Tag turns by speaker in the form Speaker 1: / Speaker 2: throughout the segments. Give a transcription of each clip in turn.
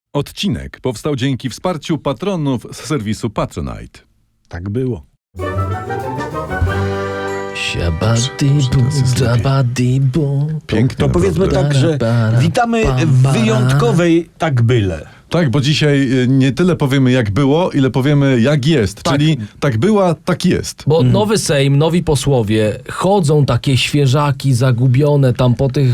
Speaker 1: Odcinek powstał dzięki wsparciu patronów z serwisu Patronite.
Speaker 2: Tak było.
Speaker 1: Pięknie,
Speaker 2: To powiedzmy
Speaker 1: naprawdę.
Speaker 2: tak, że witamy w wyjątkowej tak byle.
Speaker 1: Tak, bo dzisiaj nie tyle powiemy jak było, ile powiemy jak jest.
Speaker 3: Tak.
Speaker 1: Czyli tak była, tak jest.
Speaker 3: Bo nowy Sejm, nowi posłowie, chodzą takie świeżaki zagubione tam po tych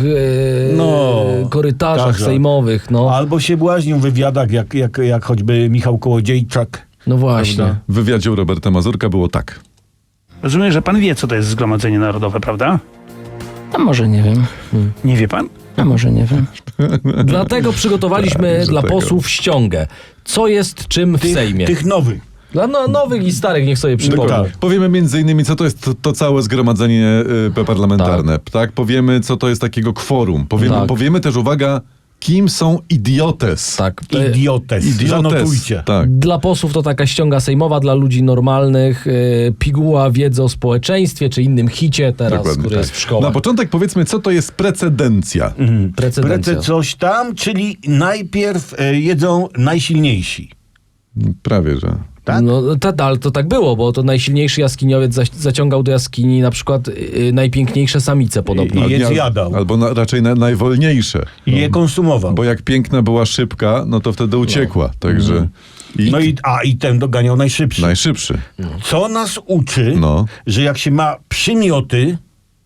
Speaker 3: korytarzach
Speaker 2: tak.
Speaker 3: sejmowych. No,
Speaker 2: Albo się błaźnią w wywiadach, jak choćby Michał Kołodziejczak.
Speaker 3: no właśnie.
Speaker 1: W wywiadzie u Roberta Mazurka było tak.
Speaker 4: Rozumiem, że pan wie, co to jest Zgromadzenie Narodowe, prawda?
Speaker 5: A może nie wiem.
Speaker 4: Nie wie pan?
Speaker 5: A może nie wiem.
Speaker 3: Dlatego przygotowaliśmy
Speaker 1: Tak,
Speaker 3: dla
Speaker 1: dlatego.
Speaker 3: posłów ściągę. Co jest czym w Sejmie?
Speaker 2: Tych nowych.
Speaker 3: Dla nowych i starych niech sobie przypomną.
Speaker 2: tak.
Speaker 1: Powiemy między innymi, co to jest to całe zgromadzenie parlamentarne. Tak. Powiemy, co to jest takiego kworum.
Speaker 3: Tak.
Speaker 1: Powiemy też, uwaga, kim są idiotes.
Speaker 3: Tak.
Speaker 2: Idiotes. Zanotujcie.
Speaker 1: Tak.
Speaker 3: Dla posłów to taka ściąga sejmowa, dla ludzi normalnych piguła wiedzy o społeczeństwie, czy innym hicie teraz,
Speaker 1: Dokładnie
Speaker 3: który
Speaker 1: tak.
Speaker 3: jest w szkołach.
Speaker 1: Na początek powiedzmy, co to jest precedencja.
Speaker 3: Precedencja.
Speaker 2: Prece coś tam, czyli najpierw jedzą najsilniejsi.
Speaker 1: Prawie, że.
Speaker 2: Tak?
Speaker 3: No, ale to tak było, bo to najsilniejszy jaskiniowiec zaciągał do jaskini na przykład najpiękniejsze samice podobno.
Speaker 2: I je zjadał.
Speaker 1: Albo raczej najwolniejsze.
Speaker 2: I je konsumował.
Speaker 1: Bo jak piękna była szybka, no to wtedy uciekła. Także.
Speaker 2: No i ten doganiał najszybszy.
Speaker 1: Najszybszy.
Speaker 2: Co nas uczy,
Speaker 1: No.
Speaker 2: że jak się ma przymioty,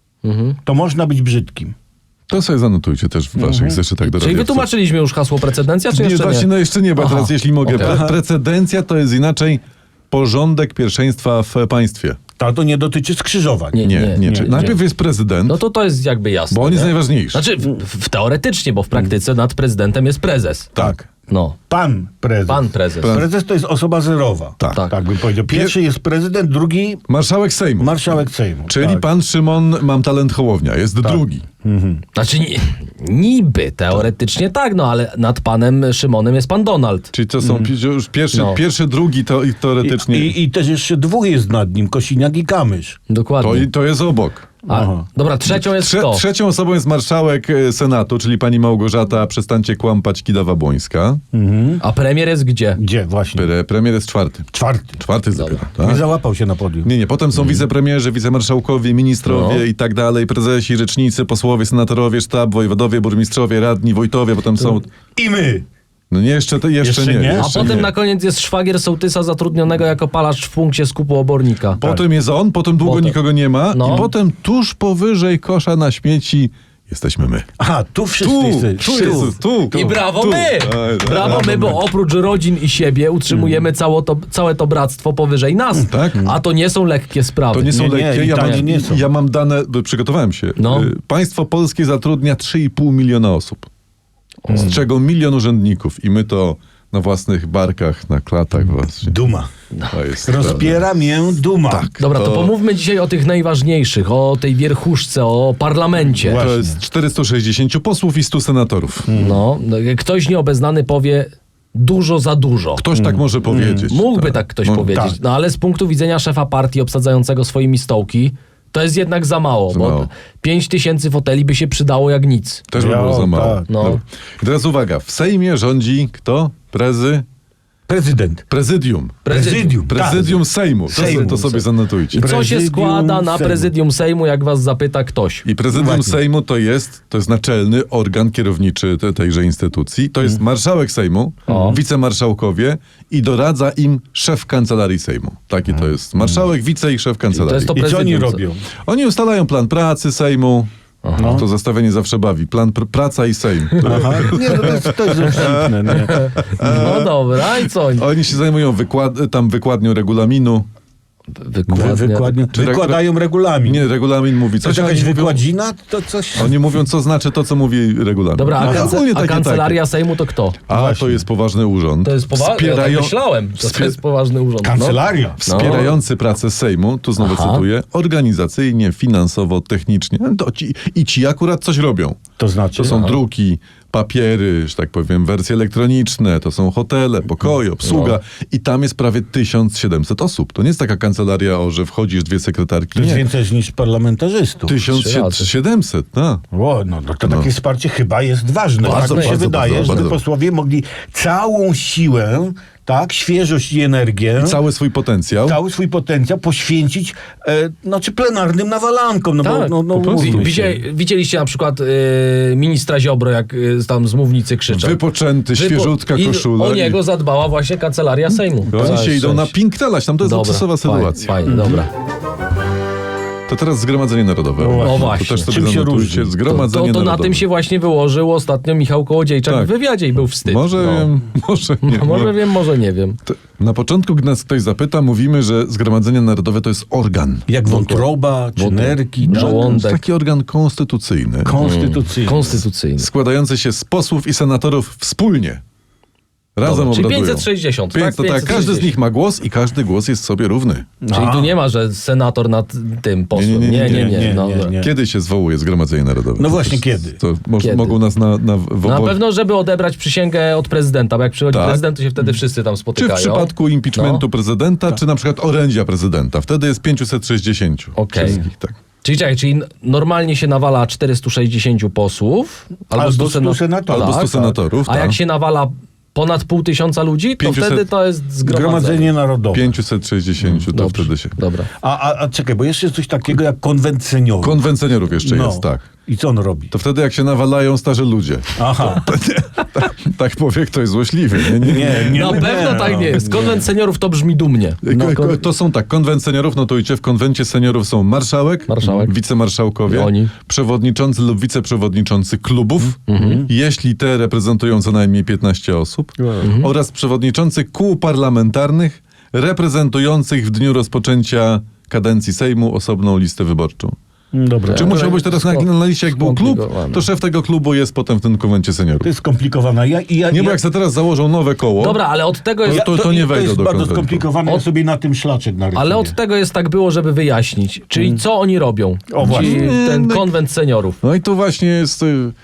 Speaker 2: to można być brzydkim.
Speaker 1: To sobie zanotujcie też w waszych zeszytach do
Speaker 3: Czyli wytłumaczyliśmy już hasło precedencja, czy
Speaker 1: Nie,
Speaker 3: jeszcze
Speaker 1: właśnie,
Speaker 3: nie?
Speaker 1: no jeszcze nie, bo
Speaker 3: Aha.
Speaker 1: teraz jeśli mogę.
Speaker 3: Okej.
Speaker 1: Precedencja to jest inaczej porządek pierwszeństwa w państwie.
Speaker 2: To nie dotyczy skrzyżowań.
Speaker 1: Nie. Najpierw jest prezydent,
Speaker 3: No to jest jakby jasne.
Speaker 1: bo on jest
Speaker 3: nie?
Speaker 1: najważniejszy.
Speaker 3: Znaczy teoretycznie, bo w praktyce nad prezydentem jest prezes.
Speaker 1: Tak.
Speaker 3: No,
Speaker 2: Pan prezes.
Speaker 3: pan prezes.
Speaker 2: Prezes to jest osoba zerowa.
Speaker 1: Tak.
Speaker 2: Tak bym powiedział. Pierwszy jest prezydent, drugi
Speaker 1: Marszałek Sejmu.
Speaker 2: marszałek Sejmu.
Speaker 1: Czyli
Speaker 2: tak.
Speaker 1: pan Szymon Mam Talent Hołownia jest drugi.
Speaker 3: Znaczy niby teoretycznie tak, no ale nad panem Szymonem jest pan Donald.
Speaker 1: Czyli to są już
Speaker 3: No.
Speaker 1: pierwszy, drugi to i teoretycznie.
Speaker 2: I też jeszcze dwóch jest nad nim, Kosiniak i Kamysz.
Speaker 3: Dokładnie.
Speaker 1: To jest obok.
Speaker 3: Dobra, trzecią jest kto?
Speaker 1: Trzecią osobą jest marszałek Senatu, czyli pani Małgorzata, przestańcie kłamać, Kidawa-Błońska.
Speaker 3: A premier jest gdzie?
Speaker 2: Gdzie właśnie?
Speaker 1: Premier jest czwarty.
Speaker 2: Czwarty.
Speaker 1: Czwarty dopiero.
Speaker 2: Nie
Speaker 1: Tak?
Speaker 2: załapał się na podium.
Speaker 1: Nie, potem są wicepremierzy, wicemarszałkowie, ministrowie
Speaker 3: No.
Speaker 1: i tak dalej, prezesi, rzecznicy, posłowie, senatorowie, sztab, wojewodowie, burmistrzowie, radni, wójtowie, potem są...
Speaker 2: I my.
Speaker 1: No nie, jeszcze nie.
Speaker 3: A
Speaker 1: Jeszcze
Speaker 3: potem
Speaker 1: nie.
Speaker 3: na koniec jest szwagier sołtysa zatrudnionego jako palacz w punkcie skupu obornika.
Speaker 1: Potem jest on, potem długo
Speaker 3: Potem.
Speaker 1: nikogo nie ma
Speaker 3: No.
Speaker 1: i potem tuż powyżej kosza na śmieci jesteśmy my.
Speaker 2: Aha, tu wszyscy jesteśmy.
Speaker 1: Tu.
Speaker 3: I brawo my!
Speaker 1: Aj,
Speaker 3: Brawo my, bo oprócz rodzin i siebie utrzymujemy całe to bractwo powyżej nas.
Speaker 1: Tak.
Speaker 3: A to nie są lekkie sprawy.
Speaker 1: To nie są
Speaker 2: Nie,
Speaker 1: lekkie.
Speaker 2: i tanie nie są.
Speaker 1: Ja mam dane, przygotowałem się.
Speaker 3: No.
Speaker 1: Państwo polskie zatrudnia 3,5 miliona osób. Z czego 1 milion urzędników. I my to na własnych barkach, na klatach właśnie.
Speaker 2: Duma.
Speaker 1: To jest
Speaker 2: Rozpiera mię duma.
Speaker 1: Tak.
Speaker 3: Dobra, to pomówmy dzisiaj o tych najważniejszych, o tej wierchuszce, o parlamencie.
Speaker 2: Właśnie.
Speaker 1: To jest 460 posłów i 100 senatorów.
Speaker 3: No, ktoś nieobeznany powie dużo za dużo.
Speaker 1: Ktoś tak może powiedzieć.
Speaker 3: Mógłby tak ktoś powiedzieć,
Speaker 2: tak.
Speaker 3: no ale z punktu widzenia szefa partii obsadzającego swoimi stołki, to jest jednak za mało,
Speaker 1: Za
Speaker 3: bo
Speaker 1: mało.
Speaker 3: 5000 foteli by się przydało jak nic.
Speaker 1: Też by
Speaker 2: Ja,
Speaker 1: było za mało.
Speaker 2: tak.
Speaker 3: No.
Speaker 1: Dobra. I teraz uwaga, w Sejmie rządzi kto?
Speaker 2: Prezydent.
Speaker 1: Prezydium. Prezydium Sejmu. To sobie zanotujcie.
Speaker 3: Co się
Speaker 2: Prezydium
Speaker 3: składa na
Speaker 2: Sejmu.
Speaker 3: prezydium Sejmu, jak was zapyta ktoś?
Speaker 1: I prezydium
Speaker 2: Właśnie.
Speaker 1: Sejmu to jest naczelny organ kierowniczy tejże instytucji. To jest marszałek Sejmu, wicemarszałkowie i doradza im szef kancelarii Sejmu. Taki to jest. Marszałek, wice i szef kancelarii.
Speaker 3: To jest to
Speaker 2: I co oni
Speaker 3: prezydium.
Speaker 2: robią?
Speaker 1: Oni ustalają plan pracy Sejmu. To zestawienie zawsze bawi. Plan praca i Sejm.
Speaker 2: Aha. Nie, to jest rozsądne. Nie.
Speaker 3: No dobra, i co?
Speaker 1: Oni się zajmują wykładnią regulaminu.
Speaker 2: Wykładają regulamin.
Speaker 1: Nie, regulamin mówi
Speaker 2: To
Speaker 1: coś.
Speaker 2: jest jakaś
Speaker 1: oni mówią-
Speaker 2: wykładzina? To coś...
Speaker 1: Oni mówią, co znaczy to, co mówi regulamin.
Speaker 3: Dobra,
Speaker 1: Ogólnie
Speaker 3: a
Speaker 1: takie,
Speaker 3: kancelaria Sejmu to kto?
Speaker 1: to jest poważny urząd.
Speaker 3: To jest poważny, ja tak myślałem, że to jest poważny urząd. No.
Speaker 2: Kancelaria.
Speaker 1: Wspierający pracę Sejmu, tu znowu cytuję, organizacyjnie, finansowo, technicznie. I ci akurat coś robią.
Speaker 2: To znaczy?
Speaker 1: To są druki, papiery, że tak powiem, wersje elektroniczne, to są hotele, pokoje, obsługa i tam jest prawie 1700 osób. To nie jest taka kancelaria, że wchodzisz, 2 sekretarki.
Speaker 2: To jest
Speaker 1: Nie.
Speaker 2: więcej niż parlamentarzystów.
Speaker 1: 1700, no.
Speaker 2: O, no to takie wsparcie chyba jest ważne.
Speaker 1: Bardzo,
Speaker 2: Tak mi się
Speaker 1: bardzo,
Speaker 2: wydaje,
Speaker 1: bardzo,
Speaker 2: żeby
Speaker 1: bardzo.
Speaker 2: posłowie mogli całą siłę, tak, świeżość i energię,
Speaker 1: Cały swój potencjał.
Speaker 2: cały swój potencjał poświęcić znaczy plenarnym nawalankom. No
Speaker 3: Tak,
Speaker 2: bo, no,
Speaker 1: po prostu.
Speaker 2: umówmy się.
Speaker 3: Widzieliście na przykład ministra Ziobro, jak tam z mównicy krzyczał.
Speaker 1: Wypoczęty, świeżutka
Speaker 3: I
Speaker 1: koszula.
Speaker 3: o niego zadbała właśnie kancelaria Sejmu.
Speaker 1: Oni
Speaker 3: Całe
Speaker 1: się idą na
Speaker 3: szczęście.
Speaker 1: pinktelać, tam to jest luksusowa sytuacja.
Speaker 3: Fajnie, dobra.
Speaker 1: To teraz Zgromadzenie Narodowe.
Speaker 2: O
Speaker 3: właśnie.
Speaker 1: To też sobie
Speaker 2: Czym się
Speaker 1: zanotujcie.
Speaker 2: różni?
Speaker 1: Zgromadzenie
Speaker 3: To na
Speaker 1: Narodowe.
Speaker 3: tym się właśnie wyłożył ostatnio Michał Kołodziejczak
Speaker 1: Tak.
Speaker 3: w wywiadzie i był wstyd.
Speaker 1: Może
Speaker 3: No.
Speaker 1: wiem, może nie.
Speaker 3: Może wiem, może nie wiem.
Speaker 1: Na początku, gdy nas ktoś zapyta, mówimy, że Zgromadzenie Narodowe to jest organ.
Speaker 2: Jak wątroba, czy nerki, tak?
Speaker 1: To jest
Speaker 3: Żołądek.
Speaker 1: taki organ konstytucyjny,
Speaker 2: Konstytucyjny.
Speaker 3: Konstytucyjny.
Speaker 1: składający się z posłów i senatorów wspólnie. Razem
Speaker 3: Dobra, czyli
Speaker 1: obradują.
Speaker 3: 560,
Speaker 1: Więc to tak,
Speaker 3: 560.
Speaker 1: każdy z nich ma głos i każdy głos jest sobie równy.
Speaker 3: Czyli tu nie ma, że senator nad tym posłem.
Speaker 1: Nie.
Speaker 3: Dobra.
Speaker 2: nie.
Speaker 1: Kiedy się zwołuje Zgromadzenie Narodowe?
Speaker 2: No
Speaker 1: To
Speaker 2: właśnie,
Speaker 1: też-
Speaker 2: kiedy?
Speaker 1: To
Speaker 3: Kiedy?
Speaker 1: mogą nas na
Speaker 3: Na
Speaker 1: obozie.
Speaker 3: pewno, żeby odebrać przysięgę od prezydenta, bo jak przychodzi
Speaker 1: Tak.
Speaker 3: prezydent, to się wtedy wszyscy tam
Speaker 1: Czy w
Speaker 3: spotykają.
Speaker 1: przypadku impeachmentu
Speaker 3: No.
Speaker 1: prezydenta, czy na przykład orędzia prezydenta. Wtedy jest 560
Speaker 3: Okej.
Speaker 1: wszystkich. Tak.
Speaker 3: Czyli normalnie się nawala 460 posłów,
Speaker 2: Albo
Speaker 3: 100
Speaker 2: 100 senatorów.
Speaker 1: Albo 100 senatorów,
Speaker 3: A
Speaker 1: tak.
Speaker 3: jak się nawala ponad 500 ludzi, to
Speaker 1: 500
Speaker 3: wtedy to jest zgromadzenie.
Speaker 2: Zgromadzenie Narodowe.
Speaker 1: 560 to
Speaker 3: Dobrze.
Speaker 1: wtedy się.
Speaker 3: Dobra.
Speaker 2: A czekaj, bo jeszcze jest coś takiego jak konwent seniorów.
Speaker 1: Konwent seniorów jeszcze
Speaker 2: No.
Speaker 1: jest, tak.
Speaker 2: I co on robi?
Speaker 1: To wtedy jak się nawalają starzy ludzie.
Speaker 2: Aha.
Speaker 1: Tak powie ktoś złośliwy. Nie.
Speaker 3: Na pewno tak nie jest. Konwent seniorów to brzmi dumnie.
Speaker 1: To są tak, konwent seniorów, notujcie, w konwencie seniorów są marszałek, wicemarszałkowie,
Speaker 3: Oni.
Speaker 1: przewodniczący lub wiceprzewodniczący klubów, jeśli te reprezentują co najmniej 15 osób, oraz przewodniczący kół parlamentarnych reprezentujących w dniu rozpoczęcia kadencji Sejmu osobną listę wyborczą.
Speaker 2: Dobra.
Speaker 1: Czy musiał być teraz na liście, jak był klub,
Speaker 3: skomplikowane.
Speaker 1: to szef tego klubu jest potem w tym konwencie seniorów.
Speaker 2: To jest skomplikowane.
Speaker 1: Nie, bo jak sobie teraz założą nowe koło,
Speaker 3: Dobra, ale od tego jest...
Speaker 1: to nie
Speaker 2: to
Speaker 1: wejdą
Speaker 2: jest
Speaker 1: do
Speaker 2: bardzo
Speaker 1: konwentu.
Speaker 2: skomplikowane. Ja sobie na tym szlaczek narysuję.
Speaker 3: Ale od tego jest tak było, żeby wyjaśnić. Czyli co oni robią?
Speaker 2: O, właśnie.
Speaker 3: Czyli ten konwent seniorów.
Speaker 1: No i tu właśnie jest...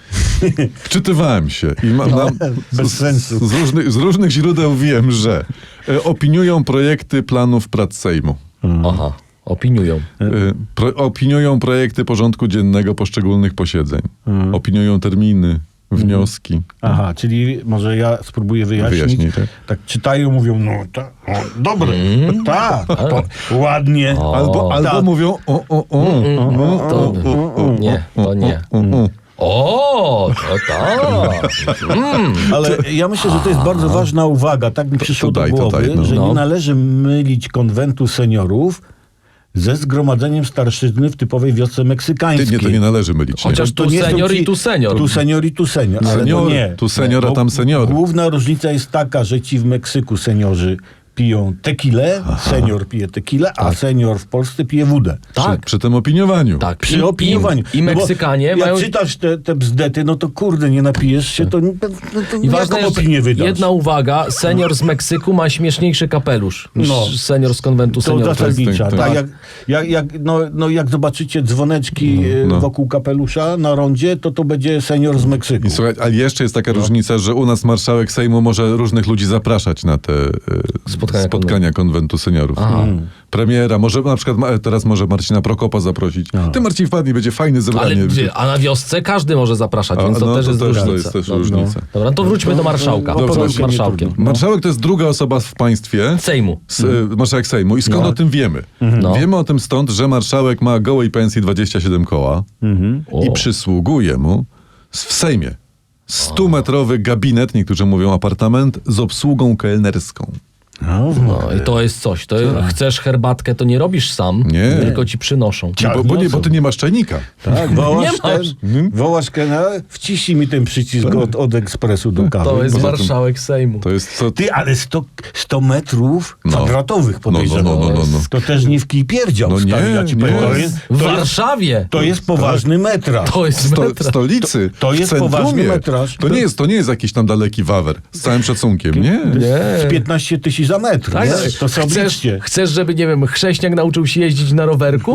Speaker 1: Wczytywałem się i mam
Speaker 2: bez sensu.
Speaker 1: z różnych źródeł wiem, że opiniują projekty planów prac Sejmu.
Speaker 3: Aha, opiniują.
Speaker 1: Opiniują projekty porządku dziennego poszczególnych posiedzeń. Opiniują terminy, wnioski.
Speaker 2: Aha, czyli może ja spróbuję wyjaśnić.
Speaker 1: Wyjaśnij, tak.
Speaker 2: Tak czytają, mówią, no tak, dobre, tak, ładnie.
Speaker 1: Albo
Speaker 2: tak.
Speaker 1: mówią
Speaker 3: Nie, to nie. O, to tak.
Speaker 2: Ale ja myślę, że to jest bardzo ważna uwaga. Tak mi przyszło
Speaker 1: to daj,
Speaker 2: do
Speaker 1: to
Speaker 2: głowy,
Speaker 1: daj, no.
Speaker 2: że
Speaker 3: No.
Speaker 2: nie należy mylić konwentu seniorów ze zgromadzeniem starszyzny w typowej wiosce meksykańskiej.
Speaker 1: to nie należy mylić. nie.
Speaker 3: Chociaż tu
Speaker 2: nie są
Speaker 3: senior
Speaker 2: ci-
Speaker 3: i tu senior.
Speaker 2: Tu senior i tu senior. Ale
Speaker 1: Senior,
Speaker 2: to nie.
Speaker 1: tu senior, a
Speaker 2: Bo
Speaker 1: tam senior.
Speaker 2: Główna różnica jest taka, że ci w Meksyku seniorzy piją tequilę, senior pije tequilę, a senior w Polsce pije wódę.
Speaker 3: Tak,
Speaker 1: Przy tym opiniowaniu.
Speaker 3: tak.
Speaker 2: Przy opiniowaniu.
Speaker 3: I
Speaker 2: No bo
Speaker 3: Meksykanie
Speaker 2: jak
Speaker 3: mają...
Speaker 2: czytasz te bzdety, no to kurde, nie napijesz się, to
Speaker 3: I ważna
Speaker 2: jaką
Speaker 3: jest
Speaker 2: opinię wydasz?
Speaker 3: jedna uwaga, senior z Meksyku ma śmieszniejszy kapelusz niż
Speaker 2: No.
Speaker 3: senior z konwentu
Speaker 2: To
Speaker 3: seniorów.
Speaker 2: zasadnicza.
Speaker 1: tak.
Speaker 2: Tak, jak zobaczycie dzwoneczki
Speaker 1: No.
Speaker 2: wokół kapelusza na rondzie, to będzie senior z Meksyku.
Speaker 1: I słuchaj, ale jeszcze jest taka różnica, że u nas marszałek Sejmu może różnych ludzi zapraszać na te spotkania konwentu seniorów. Premiera, może na przykład teraz może Marcina Prokopa zaprosić. Ty, Marcin, wpadnij, będzie fajne zebranie.
Speaker 3: A na wiosce każdy może zapraszać,
Speaker 1: A,
Speaker 3: więc to
Speaker 1: no,
Speaker 3: też
Speaker 1: to
Speaker 3: jest
Speaker 1: też-
Speaker 3: różnica.
Speaker 1: to jest też
Speaker 3: Dobrze.
Speaker 1: różnica.
Speaker 3: Dobra, no to wróćmy do marszałka.
Speaker 2: No,
Speaker 1: Dobrze,
Speaker 3: Z marszałkiem.
Speaker 1: Marszałek to jest druga osoba w państwie.
Speaker 3: Sejmu.
Speaker 1: Marszałek Sejmu. I skąd o tym wiemy?
Speaker 3: No.
Speaker 1: Wiemy o tym stąd, że marszałek ma gołej pensji 27 koła i przysługuje mu w Sejmie 100-metrowy gabinet, niektórzy mówią apartament, z obsługą kelnerską.
Speaker 3: No i to jest coś. To chcesz herbatkę, to nie robisz sam,
Speaker 1: Nie.
Speaker 3: tylko ci przynoszą.
Speaker 1: Bo ty nie masz czajnika.
Speaker 2: Tak,
Speaker 3: Nie
Speaker 2: wołasz
Speaker 3: masz.
Speaker 2: wołasz kelnera, wciśnij mi ten przycisk od ekspresu do kawy.
Speaker 3: To jest
Speaker 1: Poza tym-
Speaker 3: marszałek Sejmu.
Speaker 1: To jest co...
Speaker 2: Ty, ale 100 metrów
Speaker 1: No.
Speaker 2: kwadratowych podejrzewam.
Speaker 1: No.
Speaker 2: To też nie w kij pierdział,
Speaker 1: No
Speaker 2: stary,
Speaker 1: nie,
Speaker 2: ja ci
Speaker 1: nie.
Speaker 2: powiem.
Speaker 3: W Warszawie.
Speaker 2: To jest poważny metraż.
Speaker 3: To jest metra.
Speaker 1: Stolicy.
Speaker 2: To jest
Speaker 1: w centrumie.
Speaker 2: poważny metraż.
Speaker 1: To nie jest jakiś tam daleki wawer. Z całym szacunkiem. Nie.
Speaker 2: Z 15 tysięcy za metr.
Speaker 3: Tak,
Speaker 2: nie? To sobie obliczcie.
Speaker 3: chcesz, żeby, nie wiem, chrześniak nauczył się jeździć na rowerku?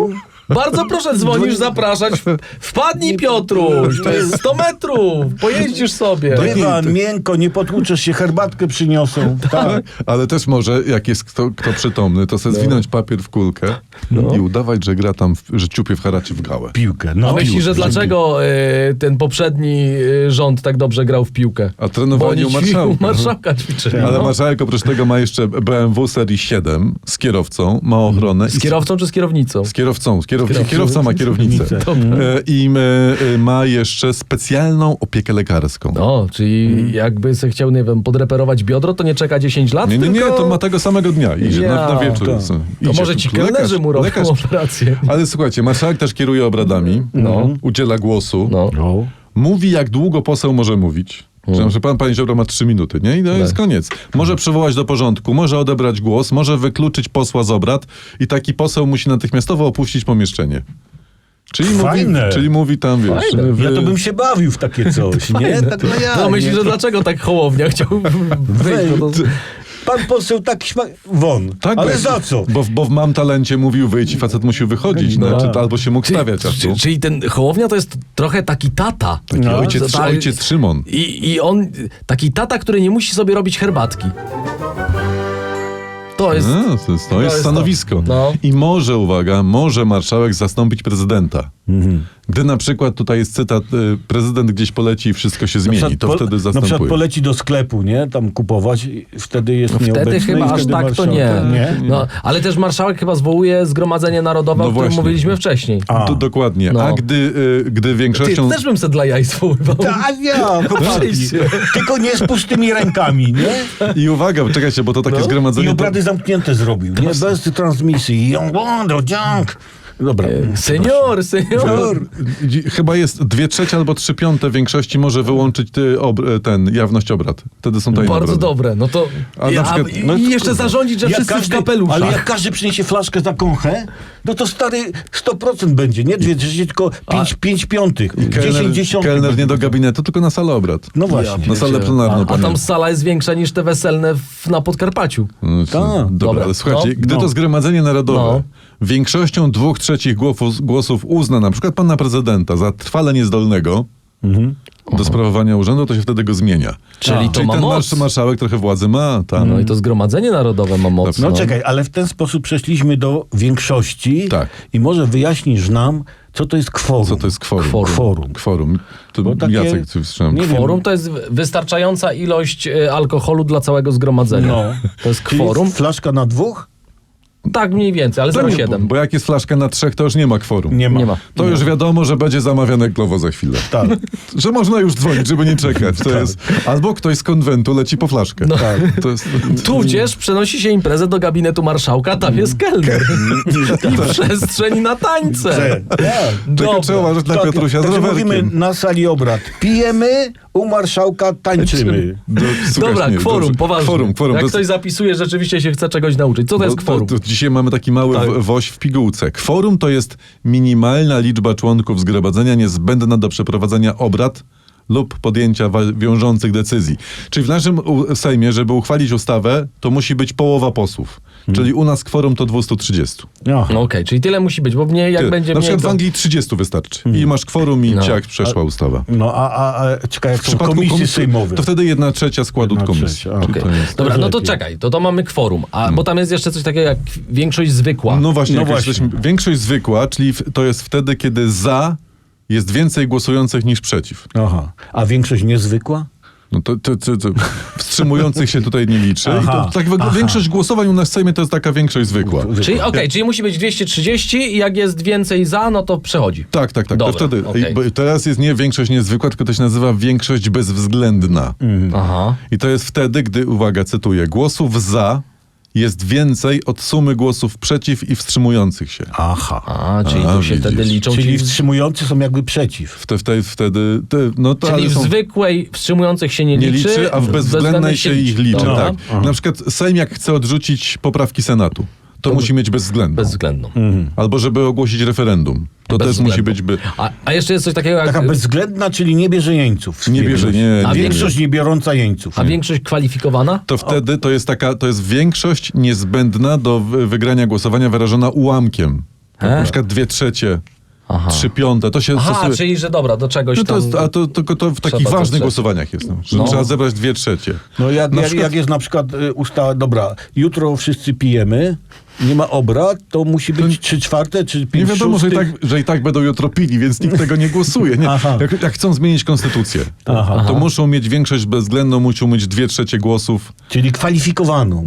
Speaker 3: Bardzo proszę, dzwonisz, zapraszać. Wpadnij, Piotruś, to jest 100 metrów, pojeździsz sobie.
Speaker 2: Dywan, miękko, nie potłuczesz się, herbatkę przyniosą. Tak.
Speaker 1: Ale też może, jak jest kto przytomny, to sobie zwinąć papier w kulkę i udawać, że gra tam, że ciupie w haracie w gałę.
Speaker 2: Piłkę.
Speaker 3: A
Speaker 2: No.
Speaker 3: myślisz, że dlaczego ten poprzedni rząd tak dobrze grał w piłkę?
Speaker 1: A trenowali u marszałka.
Speaker 3: Marszałka ćwiczyli.
Speaker 1: Ale
Speaker 3: no.
Speaker 1: marszałek oprócz tego ma jeszcze BMW serii 7 z kierowcą, ma ochronę.
Speaker 3: Z kierowcą czy z kierownicą?
Speaker 1: Z kierowcą. Kierowca ma kierownicę. I ma jeszcze specjalną opiekę lekarską.
Speaker 3: No, czyli jakby se chciał, nie wiem, podreperować biodro, to nie czeka 10 lat,
Speaker 1: Nie,
Speaker 3: tylko...
Speaker 1: to ma tego samego dnia. Idzie na wieczór.
Speaker 2: to.
Speaker 3: To
Speaker 1: Idzie.
Speaker 3: może ci kelnerzy mu robią operację.
Speaker 1: Ale słuchajcie, marszałek też kieruje obradami, udziela głosu,
Speaker 3: No.
Speaker 2: No.
Speaker 1: mówi, jak długo poseł może mówić. Że panie Ziobro ma 3 minuty, nie? I to jest koniec. Może przywołać do porządku, może odebrać głos, może wykluczyć posła z obrad i taki poseł musi natychmiastowo opuścić pomieszczenie. Czyli mówi tam, wiesz...
Speaker 2: Ja to bym się bawił w takie coś, nie? Tak no ja.
Speaker 3: No myślisz, że dlaczego tak Hołownia chciał wyjść? No to...
Speaker 2: Pan poseł tak won.
Speaker 1: Tak,
Speaker 2: ale
Speaker 1: bo-
Speaker 2: za co?
Speaker 1: Bo w Mam Talencie mówił wyjść i facet musiał wychodzić, albo się mógł stawiać.
Speaker 3: Czyli ten Hołownia to jest trochę taki tata.
Speaker 1: Taki
Speaker 3: Tak.
Speaker 1: ojciec Szymon.
Speaker 3: I on, taki tata, który nie musi sobie robić herbatki. To jest...
Speaker 1: No, to jest
Speaker 3: to.
Speaker 1: stanowisko.
Speaker 3: No.
Speaker 1: I może marszałek zastąpić prezydenta. Gdy na przykład, tutaj jest cytat, prezydent gdzieś poleci i wszystko się zmieni, to wtedy
Speaker 2: Na przykład
Speaker 1: zastępuje.
Speaker 2: poleci do sklepu, nie? Tam kupować, i wtedy jest nieobecny.
Speaker 3: Wtedy chyba
Speaker 2: i
Speaker 3: aż
Speaker 2: wtedy
Speaker 3: tak to
Speaker 2: marszałek-
Speaker 3: nie. No, ale też marszałek chyba zwołuje Zgromadzenie Narodowe,
Speaker 1: No
Speaker 3: o którym
Speaker 1: właśnie.
Speaker 3: mówiliśmy wcześniej.
Speaker 1: Dokładnie.
Speaker 3: No.
Speaker 1: A gdy
Speaker 3: Ty
Speaker 1: większością...
Speaker 3: też bym se dla jaj zwoływał.
Speaker 2: Tak, ja, chłopaki.
Speaker 3: Oczywiście.
Speaker 2: Tylko nie z pustymi rękami, nie?
Speaker 1: I uwaga, czekajcie, bo to takie
Speaker 2: I
Speaker 1: zgromadzenie...
Speaker 2: obrady zamknięte zrobił, nie? Bez transmisji. Dobra.
Speaker 3: Senior.
Speaker 1: Chyba jest 2/3 albo 3/5 większości może wyłączyć jawność obrad. Wtedy są tajne
Speaker 3: Bardzo
Speaker 1: obrady.
Speaker 3: dobre. No to
Speaker 1: A na przykład-
Speaker 3: i jeszcze zarządzić, że wszyscy w kapeluszach.
Speaker 2: Ale jak każdy przyniesie flaszkę za kąchę, no to stary 100% będzie, nie 2/3, tylko 5/5. 10/10.
Speaker 1: Kelner nie do gabinetu, tylko na salę obrad.
Speaker 2: No właśnie.
Speaker 1: Na salę plenarną.
Speaker 3: A tam
Speaker 1: panie.
Speaker 3: sala jest większa niż te weselne na Podkarpaciu.
Speaker 1: No,
Speaker 2: Tak.
Speaker 1: Dobra,
Speaker 3: Dobra.
Speaker 1: ale słuchajcie,
Speaker 3: No.
Speaker 1: gdy to Zgromadzenie Narodowe większością 2/3 głosów uzna na przykład pana prezydenta za trwale niezdolnego do sprawowania urzędu, to się wtedy go zmienia.
Speaker 3: Czyli to ma
Speaker 1: ten
Speaker 3: moc.
Speaker 1: marszałek trochę władzy ma. Tam.
Speaker 3: No i to Zgromadzenie Narodowe ma moc.
Speaker 2: No czekaj, ale w ten sposób przeszliśmy do większości
Speaker 1: Tak.
Speaker 2: i może wyjaśnisz nam, co to jest kworum.
Speaker 1: Co to jest kworum?
Speaker 2: Kworum.
Speaker 1: To
Speaker 2: Bo takie-
Speaker 1: Jacek, ty wstrzymam.
Speaker 2: nie wiem.
Speaker 3: Kworum to jest wystarczająca ilość alkoholu dla całego zgromadzenia.
Speaker 2: No.
Speaker 3: To jest
Speaker 2: Czyli
Speaker 3: kworum.
Speaker 2: flaszka na 2?
Speaker 3: Tak mniej więcej, ale
Speaker 1: To nie,
Speaker 3: 0,7.
Speaker 1: bo jak jest flaszka na 3, to już nie ma kworum.
Speaker 2: Nie ma.
Speaker 3: Nie ma.
Speaker 1: To już wiadomo, że będzie zamawiane glowo za chwilę.
Speaker 2: Tak.
Speaker 1: Że można już dzwonić, żeby nie czekać. To jest, albo ktoś z konwentu leci po flaszkę.
Speaker 3: No.
Speaker 1: To jest,
Speaker 3: Tudzież przenosi się imprezę do gabinetu marszałka, tam jest kelner. I przestrzeń na tańce.
Speaker 1: Czego trzeba uważać na Piotrusia z
Speaker 2: Także mówimy
Speaker 1: rowerkiem.
Speaker 2: na sali obrad. Pijemy, u marszałka tańczymy.
Speaker 1: Słuchaj,
Speaker 3: Dobra,
Speaker 1: nie,
Speaker 3: kworum,
Speaker 1: dobrze.
Speaker 3: poważnie.
Speaker 1: Kworum.
Speaker 3: Jak
Speaker 1: To
Speaker 3: ktoś zapisuje, rzeczywiście się chce czegoś nauczyć. Co to jest kworum?
Speaker 1: To dzisiaj mamy taki mały
Speaker 3: Tak.
Speaker 1: woź w pigułce. Kworum to jest minimalna liczba członków zgromadzenia niezbędna do przeprowadzenia obrad lub podjęcia wiążących decyzji. Czyli w naszym Sejmie, żeby uchwalić ustawę, to musi być połowa posłów. Czyli u nas kworum to 230.
Speaker 2: No.
Speaker 3: No okej, czyli tyle musi być, bo mnie jak będzie
Speaker 1: Na
Speaker 3: mniej,
Speaker 1: przykład w
Speaker 3: to...
Speaker 1: Anglii 30 wystarczy. I masz kworum i ciach przeszła ustawa.
Speaker 2: No a czekaj, jak
Speaker 1: W
Speaker 2: są
Speaker 1: przypadku
Speaker 2: komisje sejmowe.
Speaker 1: to wtedy 1/3 składu
Speaker 2: Jedna
Speaker 1: komisji.
Speaker 2: trzecia,
Speaker 1: Czyli
Speaker 2: okej.
Speaker 1: to jest-
Speaker 3: Dobra, no to
Speaker 2: lepiej.
Speaker 3: czekaj, to mamy kworum, bo tam jest jeszcze coś takiego jak większość zwykła.
Speaker 1: No właśnie,
Speaker 2: No
Speaker 1: jak
Speaker 2: właśnie.
Speaker 1: jesteśmy, większość zwykła, czyli to jest wtedy, kiedy za jest więcej głosujących niż przeciw.
Speaker 2: Aha. A większość niezwykła?
Speaker 1: No to wstrzymujących się tutaj nie liczy. I
Speaker 2: Aha,
Speaker 1: to, tak, większość głosowań u nas w Sejmie to jest taka większość zwykła.
Speaker 3: Czyli czyli musi być 230 i jak jest więcej za, no to przechodzi.
Speaker 1: Tak.
Speaker 3: Dobra,
Speaker 1: to wtedy.
Speaker 3: okej.
Speaker 1: Bo teraz jest nie większość niezwykła, tylko to się nazywa większość bezwzględna.
Speaker 3: Aha.
Speaker 1: I to jest wtedy, gdy, uwaga, cytuję, głosów za jest więcej od sumy głosów przeciw i wstrzymujących się.
Speaker 2: Aha.
Speaker 3: Czyli tu się
Speaker 1: widzisz.
Speaker 3: wtedy liczą.
Speaker 2: Czyli wstrzymujący są jakby przeciw.
Speaker 1: Wtedy
Speaker 3: Czyli
Speaker 1: ale
Speaker 3: w
Speaker 1: są...
Speaker 3: zwykłej wstrzymujących się nie
Speaker 1: Nie
Speaker 3: liczy,
Speaker 1: liczy, a w bezwzględnej się ich liczy.
Speaker 3: Dobra.
Speaker 1: Tak. Na przykład Sejm jak chce odrzucić poprawki Senatu, to musi mieć bezwzględną.
Speaker 3: Bezwzględną.
Speaker 1: Albo żeby ogłosić referendum. To też musi być...
Speaker 3: A jeszcze jest coś takiego jak...
Speaker 2: Taka bezwzględna, czyli nie bierze jeńców.
Speaker 1: Nie bierze, nie.
Speaker 3: A
Speaker 2: Większość nie biorąca jeńców.
Speaker 3: A większość kwalifikowana?
Speaker 1: To wtedy to jest większość niezbędna do wygrania głosowania wyrażona ułamkiem. Na przykład 2/3,
Speaker 3: Aha.
Speaker 1: 3/5, to się
Speaker 3: Aha,
Speaker 1: stosuje...
Speaker 3: czyli że dobra, do czegoś
Speaker 1: No to
Speaker 3: tam...
Speaker 1: jest, a to w takich
Speaker 3: trzeba
Speaker 1: ważnych
Speaker 3: to
Speaker 1: głosowaniach jest, że
Speaker 3: No.
Speaker 1: trzeba zebrać 2/3.
Speaker 2: No jak
Speaker 1: przykład-
Speaker 2: jest na przykład ustawa, dobra, jutro wszyscy pijemy, nie ma obrad, to musi być 3/4 czy 5/6.
Speaker 1: Nie wiadomo, że i tak będą jutro pili, więc nikt tego nie głosuje. Nie?
Speaker 2: Aha.
Speaker 1: Jak chcą zmienić konstytucję, to muszą mieć większość bezwzględną, muszą mieć 2/3 głosów.
Speaker 2: Czyli kwalifikowaną.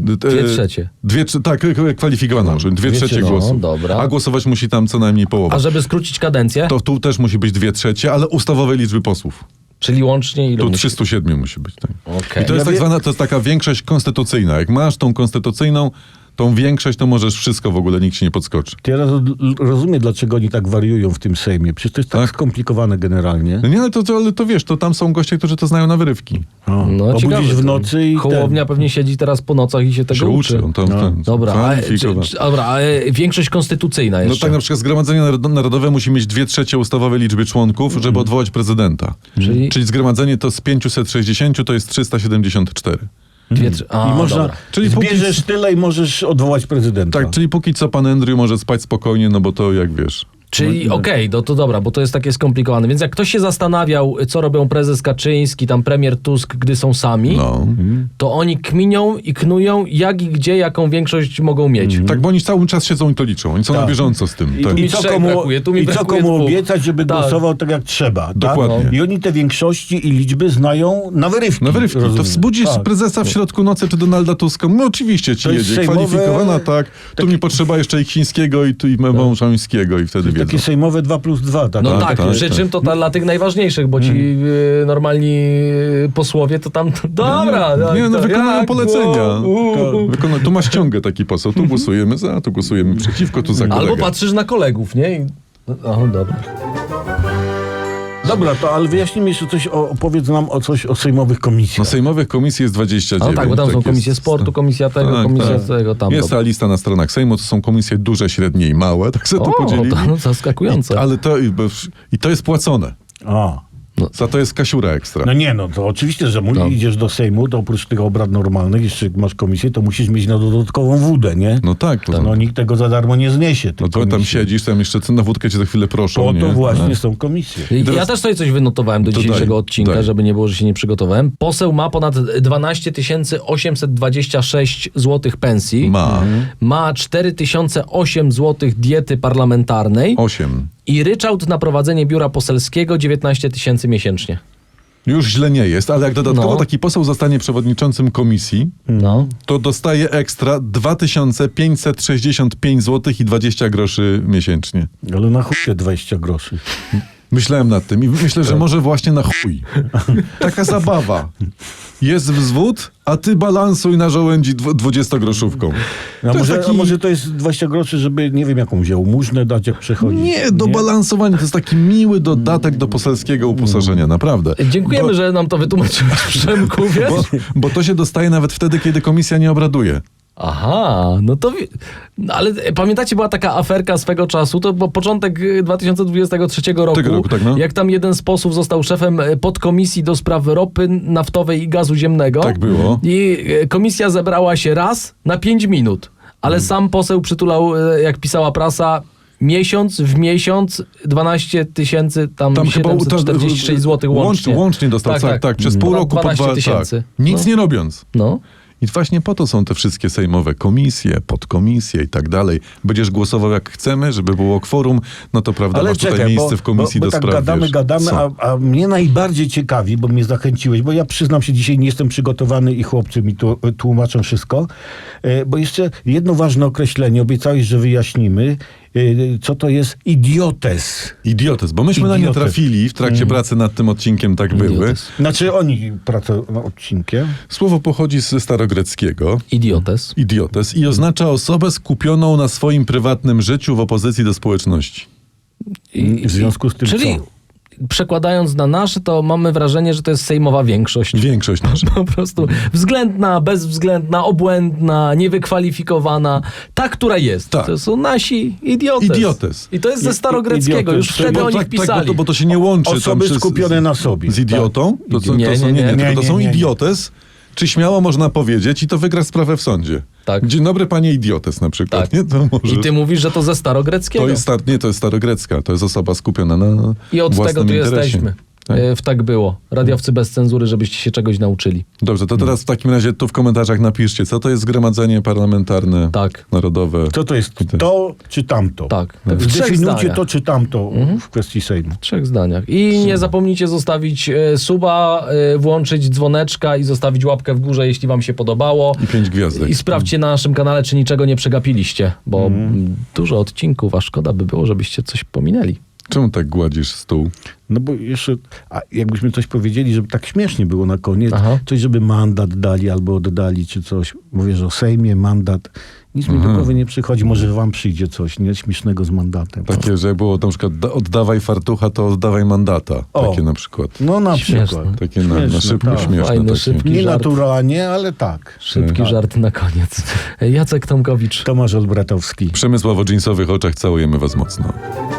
Speaker 3: 2/3.
Speaker 1: Tak, kwalifikowaną, że 2/3
Speaker 3: no,
Speaker 1: głosów.
Speaker 3: dobra.
Speaker 1: A głosować musi tam co najmniej połowa.
Speaker 3: A żeby skrócić kadencję?
Speaker 1: To tu też musi być 2/3, ale ustawowej liczby posłów.
Speaker 3: Czyli łącznie ile
Speaker 1: Tu
Speaker 3: musi...
Speaker 1: 307 musi być. Tak.
Speaker 3: Okej.
Speaker 1: I to jest tak zwana, to jest taka większość konstytucyjna. Jak masz tą konstytucyjną, tą większość, to możesz wszystko w ogóle, nikt się nie podskoczy.
Speaker 2: Teraz rozumiem, dlaczego oni tak wariują w tym Sejmie. Przecież to jest tak
Speaker 1: Tak.
Speaker 2: skomplikowane generalnie.
Speaker 1: No nie, ale to wiesz, to tam są goście, którzy to znają na wyrywki.
Speaker 3: No,
Speaker 2: Obudzisz
Speaker 3: ciekawe,
Speaker 2: w
Speaker 3: to
Speaker 2: nocy i
Speaker 3: Hołownia pewnie siedzi teraz po nocach i się tego
Speaker 1: Się
Speaker 3: uczy.
Speaker 1: uczy. On tam,
Speaker 3: Dobra,
Speaker 1: kwalifikował.
Speaker 3: a większość konstytucyjna
Speaker 1: No
Speaker 3: jeszcze.
Speaker 1: tak, na przykład Zgromadzenie Narodowe musi mieć 2/3 ustawowej liczby członków, żeby odwołać prezydenta.
Speaker 3: Czyli
Speaker 1: Zgromadzenie to z 560 to jest 374.
Speaker 2: I można,
Speaker 3: dobra.
Speaker 1: Czyli
Speaker 2: zbierzesz tyle i możesz odwołać prezydenta.
Speaker 1: Tak, czyli póki co pan Andrew może spać spokojnie, no bo to jak wiesz.
Speaker 3: Czyli okej, to dobra, bo to jest takie skomplikowane. Więc jak ktoś się zastanawiał, co robią prezes Kaczyński, tam premier Tusk, gdy są sami,
Speaker 1: No.
Speaker 3: to oni kminią i knują, jak i gdzie, jaką większość mogą mieć.
Speaker 1: Tak, bo oni cały czas siedzą i to liczą. Oni są na bieżąco z tym. Tak.
Speaker 3: mi
Speaker 2: I co
Speaker 3: trzech
Speaker 2: komu,
Speaker 3: brakuje, tu mi
Speaker 2: i co
Speaker 3: brakuje
Speaker 2: komu
Speaker 3: dwóch.
Speaker 2: obiecać, żeby
Speaker 3: Tak.
Speaker 2: głosował tak jak trzeba. Tak?
Speaker 1: Dokładnie.
Speaker 2: I oni te większości i liczby znają na wyrywki.
Speaker 1: Na wyrywki. To
Speaker 2: rozumiem.
Speaker 1: wzbudzisz
Speaker 2: Tak.
Speaker 1: prezesa w środku nocy czy Donalda Tuska. No oczywiście ci
Speaker 2: To jest
Speaker 1: jedzie.
Speaker 2: sejmowe-
Speaker 1: Kwalifikowana, tak. Tu mi potrzeba jeszcze i chińskiego i tu i mężańskiego i wtedy wiedzą.
Speaker 2: Takie sejmowe 2+2. Tak?
Speaker 3: No
Speaker 1: Tak,
Speaker 3: tak,
Speaker 1: tak,
Speaker 3: przy
Speaker 1: tak.
Speaker 3: czym to dla tych najważniejszych, bo ci normalni posłowie to tam, dobra.
Speaker 1: Nie, no
Speaker 3: to
Speaker 1: wykonują
Speaker 3: jak?
Speaker 1: polecenia.
Speaker 3: Tak.
Speaker 1: Tu masz ściągę taki poseł. Tu głosujemy za, tu głosujemy przeciwko, tu za kolegę.
Speaker 3: Albo patrzysz na kolegów, nie? O, dobra.
Speaker 2: Dobra, to ale wyjaśnij mi jeszcze coś, opowiedz nam coś o sejmowych
Speaker 1: No
Speaker 2: komisjach.
Speaker 1: sejmowych komisji jest 29.
Speaker 3: No tak, bo tam są
Speaker 1: jest.
Speaker 3: komisje sportu, komisja tego,
Speaker 1: Tak,
Speaker 3: komisja
Speaker 1: tak.
Speaker 3: tego, tam.
Speaker 1: Jest ta lista na stronach Sejmu, to są komisje duże, średnie i małe, tak sobie to
Speaker 3: O,
Speaker 1: podzielili.
Speaker 3: to no, zaskakujące.
Speaker 1: Ale to jest płacone.
Speaker 2: A.
Speaker 1: Za to jest kasiura ekstra.
Speaker 2: No nie, no to oczywiście, że idziesz do Sejmu, to oprócz tych obrad normalnych, jeszcze jak masz komisję, to musisz mieć na dodatkową wódę, nie?
Speaker 1: No tak.
Speaker 2: No nikt tego za darmo nie zniesie.
Speaker 1: No
Speaker 2: tych
Speaker 1: to tam
Speaker 2: komisji.
Speaker 1: siedzisz, tam jeszcze na wódkę cię za chwilę proszą.
Speaker 2: Po
Speaker 1: nie?
Speaker 2: to właśnie
Speaker 1: No.
Speaker 2: są komisje.
Speaker 3: Ja
Speaker 1: teraz-
Speaker 3: też sobie coś wynotowałem do
Speaker 1: To
Speaker 3: dzisiejszego
Speaker 1: daj,
Speaker 3: odcinka,
Speaker 1: daj.
Speaker 3: żeby nie było, że się nie przygotowałem. Poseł ma ponad 12 826 zł pensji. Ma 4008 zł diety parlamentarnej
Speaker 1: 8.
Speaker 3: i ryczałt na prowadzenie biura poselskiego 19 000 miesięcznie.
Speaker 1: Już źle nie jest, ale jak dodatkowo
Speaker 3: No.
Speaker 1: taki poseł zostanie przewodniczącym komisji,
Speaker 3: No.
Speaker 1: to dostaje ekstra 2565 zł i 20 groszy miesięcznie.
Speaker 2: Ale na chuj te 20 groszy.
Speaker 1: Myślałem nad tym i myślę, że może właśnie na chuj. Taka zabawa. Jest wzwód, a ty balansuj na żołędzi 20-groszówką.
Speaker 2: A
Speaker 1: To jest
Speaker 2: może,
Speaker 1: taki-
Speaker 2: a może to jest 20 groszy, żeby nie wiem jaką wziął, mużnę dać jak przechodzi.
Speaker 1: Nie, do balansowania. To jest taki miły dodatek do poselskiego uposażenia, naprawdę.
Speaker 3: Dziękujemy, że nam to wytłumaczyłeś, Przemku, wiesz?
Speaker 1: Bo to się dostaje nawet wtedy, kiedy komisja nie obraduje.
Speaker 3: Aha, no to... No, ale pamiętacie, była taka aferka swego czasu, to był początek 2023 roku,
Speaker 1: Tego roku, tak, no.
Speaker 3: jak tam jeden z posłów został szefem podkomisji do spraw ropy naftowej i gazu ziemnego.
Speaker 1: Tak było.
Speaker 3: I komisja zebrała się raz na 5 minut, ale sam poseł przytulał, jak pisała prasa, miesiąc w miesiąc 12 746 zł łącznie.
Speaker 1: Łącznie dostał, tak. Przez pół roku po
Speaker 3: 12
Speaker 1: 2
Speaker 3: tysięcy.
Speaker 1: tak. Nic nie robiąc.
Speaker 3: No.
Speaker 1: I właśnie po to są te wszystkie sejmowe komisje, podkomisje i tak dalej. Będziesz głosował jak chcemy, żeby było kworum, no to prawda, masz tutaj miejsce w komisji
Speaker 2: bo
Speaker 1: do
Speaker 2: tak
Speaker 1: spraw,
Speaker 2: gadamy,
Speaker 1: wiesz, co?
Speaker 2: a mnie najbardziej ciekawi, bo mnie zachęciłeś, bo ja przyznam się, dzisiaj nie jestem przygotowany i chłopcy mi tu tłumaczą wszystko, bo jeszcze jedno ważne określenie, obiecałeś, że wyjaśnimy, co to jest idiotes.
Speaker 1: Idiotyzm, bo myśmy na nie
Speaker 2: Idiotyzm.
Speaker 1: trafili w trakcie pracy nad tym odcinkiem, tak były.
Speaker 3: Idiotyzm.
Speaker 2: Znaczy oni pracują nad odcinkiem.
Speaker 1: Słowo pochodzi ze starogreckiego.
Speaker 3: Idiotes.
Speaker 1: Idiotes i oznacza osobę skupioną na swoim prywatnym życiu w opozycji do społeczności.
Speaker 2: W związku z tym
Speaker 3: Czyli
Speaker 2: co?
Speaker 3: przekładając na nasze, to mamy wrażenie, że to jest sejmowa większość.
Speaker 1: Większość nasza.
Speaker 3: Po prostu względna, bezwzględna, obłędna, niewykwalifikowana. Ta, która jest.
Speaker 1: Tak.
Speaker 3: To są nasi idiotes.
Speaker 1: Idiotes.
Speaker 3: I to jest ze starogreckiego.
Speaker 2: Idiotes.
Speaker 3: Już wtedy o nich
Speaker 1: tak,
Speaker 3: pisali.
Speaker 1: bo to się nie łączy
Speaker 2: Osoby
Speaker 1: tam
Speaker 2: skupione na sobie.
Speaker 1: z idiotą. To
Speaker 3: Nie,
Speaker 1: są,
Speaker 3: nie, nie.
Speaker 1: tylko to są
Speaker 2: Nie, nie, nie.
Speaker 1: idiotes, czy śmiało można powiedzieć i to wygra sprawę w sądzie.
Speaker 3: Tak.
Speaker 1: Dzień dobry, panie idiotes na przykład.
Speaker 3: Tak.
Speaker 1: Nie? To możesz...
Speaker 3: I ty mówisz, że to ze starogreckiego.
Speaker 1: to jest starogrecka. To jest osoba skupiona na
Speaker 3: I od
Speaker 1: własnym
Speaker 3: tego tu
Speaker 1: interesie.
Speaker 3: jesteśmy.
Speaker 1: Tak.
Speaker 3: W Tak było. Radiowcy bez cenzury, żebyście się czegoś nauczyli.
Speaker 1: Dobrze, to teraz w takim razie tu w komentarzach napiszcie, co to jest zgromadzenie parlamentarne,
Speaker 3: Tak.
Speaker 1: narodowe.
Speaker 2: Co to jest to czy tamto?
Speaker 3: Tak. Tak w 3
Speaker 2: Zdefiniujcie
Speaker 3: zdaniach.
Speaker 2: to czy tamto w kwestii Sejmu.
Speaker 3: W 3 zdaniach. I nie zapomnijcie zostawić suba, włączyć dzwoneczka i zostawić łapkę w górze, jeśli wam się podobało.
Speaker 1: I 5 gwiazdek.
Speaker 3: I sprawdźcie na naszym kanale, czy niczego nie przegapiliście, bo dużo odcinków, a szkoda by było, żebyście coś pominęli.
Speaker 1: Czemu tak gładzisz stół?
Speaker 2: No bo jeszcze, a jakbyśmy coś powiedzieli, żeby tak śmiesznie było na koniec,
Speaker 3: Aha.
Speaker 2: coś, żeby mandat dali albo oddali, czy coś. Mówię, że o Sejmie, mandat. Nic mi do głowy nie przychodzi. Może wam przyjdzie coś nie śmiesznego z mandatem.
Speaker 1: Takie, że było na przykład oddawaj fartucha, to oddawaj mandata.
Speaker 2: O.
Speaker 1: Takie na przykład.
Speaker 2: No na
Speaker 3: Śmieszne.
Speaker 2: przykład.
Speaker 1: Takie na
Speaker 2: Śmieszne,
Speaker 1: szybko
Speaker 2: tak.
Speaker 1: śmieszne.
Speaker 3: Fajny,
Speaker 1: takie.
Speaker 3: szybki.
Speaker 2: Nie
Speaker 3: żart.
Speaker 2: naturalnie, ale tak.
Speaker 3: Szybki żart na koniec. Jacek Tomkowicz.
Speaker 2: Tomasz Olbratowski.
Speaker 1: W przemysłowo-dżinsowych oczach całujemy was mocno.